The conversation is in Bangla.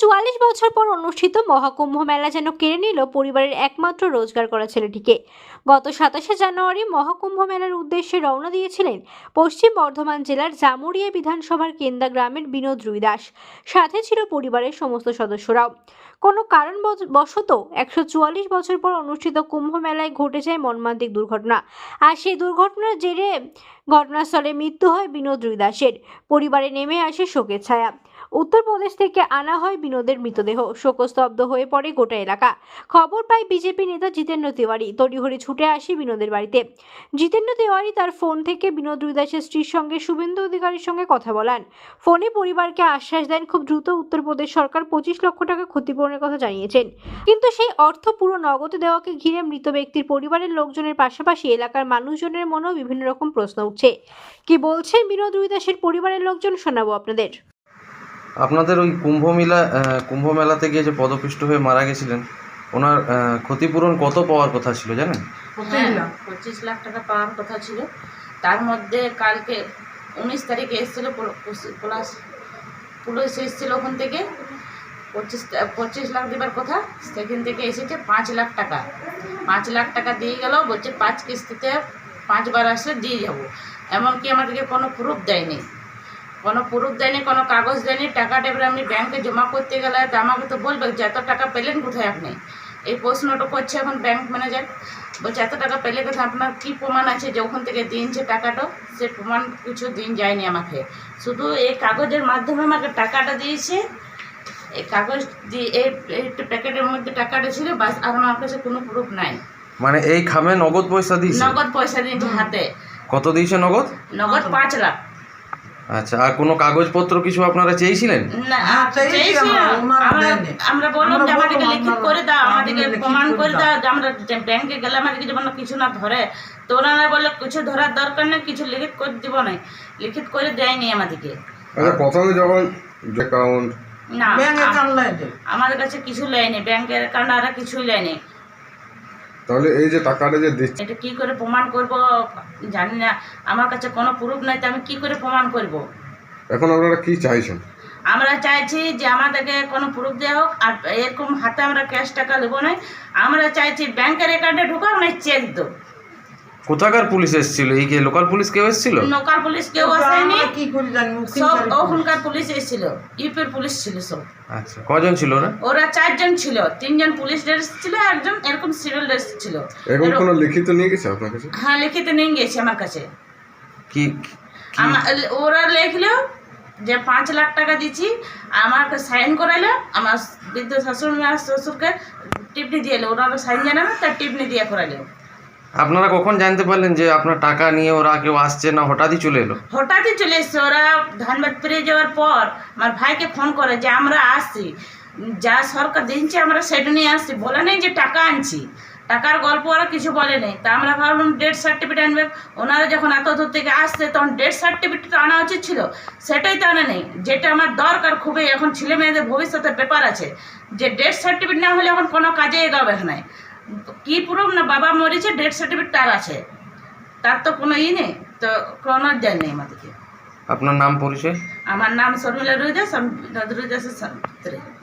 144 বছর পর অনুষ্ঠিত মহাকুম্ভ মেলা যেন কেড়ে নিল পরিবারের একমাত্র রোজগার করা ছেলেটিকে। গত 27শে জানুয়ারি মহাকুম্ভ মেলার উদ্দেশ্যে রওনা দিয়েছিলেন পশ্চিম বর্ধমান জেলার জামুরিয়া বিধানসভার কেন্দা গ্রামের বিনোদ রুই দাস। সাথে ছিল পরিবারের সমস্ত সদস্যরাও। কোনো কারণবশত 144 বছর পর অনুষ্ঠিত কুম্ভ মেলায় ঘটে যায় মর্মান্তিক দুর্ঘটনা। আর সেই দুর্ঘটনার জেরে ঘটনাস্থলে মৃত্যু হয় বিনোদ রুই দাসের। পরিবারে নেমে আসে শোকের ছায়া। উত্তরপ্রদেশ থেকে আনা হয় বিনোদের মৃতদেহ। শোকস্তব্ধ হয়ে পড়ে গোটা এলাকা। খবর পায় বিজেপি নেতা জিতেন্দ্র তিওয়ারি। তড়িঘড়ি ছুটে আসে বিনোদের বাড়িতে। জিতেন্দ্র তিওয়ারি তার ফোন থেকে বিনোদ রুই দাসের স্ত্রীর সঙ্গে শুভেন্দু অধিকারীর সঙ্গে কথা বলান। ফোনে পরিবারকে আশ্বাস দেন খুব দ্রুত উত্তরপ্রদেশ সরকার 25 লক্ষ টাকা ক্ষতিপূরণের কথা জানিয়েছেন। কিন্তু সেই অর্থ পুরো নগদে দেওয়াকে ঘিরে মৃত ব্যক্তির পরিবারের লোকজনের পাশাপাশি এলাকার মানুষজনের মনেও বিভিন্ন রকম প্রশ্ন উঠছে। কি বলছেন বিনোদ রুই দাসের পরিবারের লোকজন শোনাবো আপনাদের। আপনাদের ওই কুম্ভ মেলাতে গিয়ে যে পদপিষ্ট হয়ে মারা গেছিলেন, ওনার ক্ষতিপূরণ কত পাওয়ার কথা ছিল জানেন? 25 লাখ টাকা পাওয়ার কথা ছিল। তার মধ্যে কালকে 19 তারিখে এসেছিল পুলিশ এসেছিল ওখান থেকে 25 লাখ দেবার কথা, সেখান থেকে এসেছে 5 লাখ টাকা। 5 লাখ টাকা দিয়ে গেল, বলছে 5 কিস্তিতে 5 বার আসলে দিয়ে যাবো। এমনকি আমাদেরকে কোনো প্রুফ দেয়নি, কোনো কাগজ দেয়নি। টাকাটা এবার আমি ব্যাংকে জমা করতে গেলে তো আমাকে তো বলবে যে এত টাকা পেলেন কোথায় আপনি, এই প্রশ্নটা করছে এখন ব্যাংক ম্যানেজার। বলছে এত টাকা পেলে কোথায়, আপনার কী প্রমাণ আছে যে ওখান থেকে দিনছে টাকাটা? সে প্রমাণ কিছু দিন যায়নি আমাকে, শুধু এই কাগজের মাধ্যমে আমাকে টাকাটা দিয়েছে। এই কাগজ দিয়ে এই প্যাকেটের মধ্যে টাকাটা ছিল, বাস। আর আমার কাছে কোনো প্রুফ নাই। মানে এই খামে নগদ পয়সা দিয়েছে? নগদ পয়সা দিয়েছে হাতে। কত দিয়েছে নগদ? নগদ 5 লাখ। আচ্ছা, আর কোনো কাগজপত্র কিছু আপনারা চেয়েছিলেন? না, আমরা বললাম যে আমাদেরকে লিখিত করে দাও, আমাদেরকে প্রমাণ করে দাও যে আমরা ব্যাংকে গেলে আমাদেরকে যেমন কিছু না ধরে। তো ওনারা বললো কিছু ধরার দরকার নেই, কিছু লিখিত করে দিব না। লিখিত করে দেয়নি আমাদেরকে। প্রথমে যখন অ্যাকাউন্ট না, আমাদের কাছে কিছু লেয়নি, ব্যাংকের অ্যাকাউন্ট আর কিছুই লেয়নি। তাহলে এই যে টাকাটা যে দিচ্ছে, এটা কি করে প্রমাণ করব জানি না। আমার কাছে কোনো প্রুফ নাই, তো আমি কি করে প্রমাণ করব? এখন আপনারা কি চাইছেন? আমরা চাইছি যে আমাদেরকে কোনো প্রুফ দেওয়া হোক, আর এরকম হাতে আমরা ক্যাশ টাকা নেবো না। আমরা চাইছি ব্যাংকের অ্যাকাউন্টে ঢুকাও না, চেক দো। কোথাকার পুলিশ এসেছিল? এই কি লোকাল পুলিশ কেউ এসেছিল? লোকাল পুলিশ কেউ আসেনি, সব ওখানকার পুলিশ এসেছিল, ইউপির পুলিশ ছিল সব। আচ্ছা, কজন ছিল ওরা? ওরা 4 জন ছিল, 3 জন পুলিশ ড্রেস ছিল, একজন এরকম সিভিল ড্রেস ছিল। এখন কোনো লিখিত নিয়ে গেছে আপনার কাছে? হ্যাঁ, লিখিত নিয়ে গেছে আমার কাছে। কি ওরা লিখলো যে 5 লাখ টাকা দিচ্ছি, আমাকে সাইন করাইলো, আমার বৃদ্ধ শ্বশুরকে টিপনি দিয়ে এলো। ওরা সাইন জানাবে, তার টিপনি দিয়ে করাইলো। আপনারা কখন জানতে পারলেন যে আপনার টাকা নিয়ে ওরা কেউ আসছে, না হঠাৎই চলে এলো? হঠাৎই চলে এসছে। ওরা ধানবাদ পেরিয়ে যাওয়ার পর আমার ভাইকে ফোন করে যে আমরা আসছি, যা সরকার দিচ্ছে আমরা সেটা নিয়ে আসছি, বলে নেই যে টাকা আনছি। টাকার গল্প ওরা কিছু বলে নেই। তা আমরা ভাবলাম ডেথ সার্টিফিকেট আনবে। ওনারা যখন এত দূর থেকে আসছে তখন ডেথ সার্টিফিকেট আনা উচিত ছিল, সেটাই তো আনা নেই। যেটা আমার দরকার খুবই, এখন ছেলে মেয়েদের ভবিষ্যতের ব্যাপার আছে, যে ডেথ সার্টিফিকেট না হলে এখন কোনো কাজে এগাবে না। কি প্রুফ না বাবা মরেছে, ডেথ সার্টিফিকেট তার আছে, তার তো কোনো নেই, তো কোনো দেয় নেই আমাদেরকে। আপনার নাম পরিচয়? আমার নাম শর্মিলা রুই দাস, আমি রুই দাসের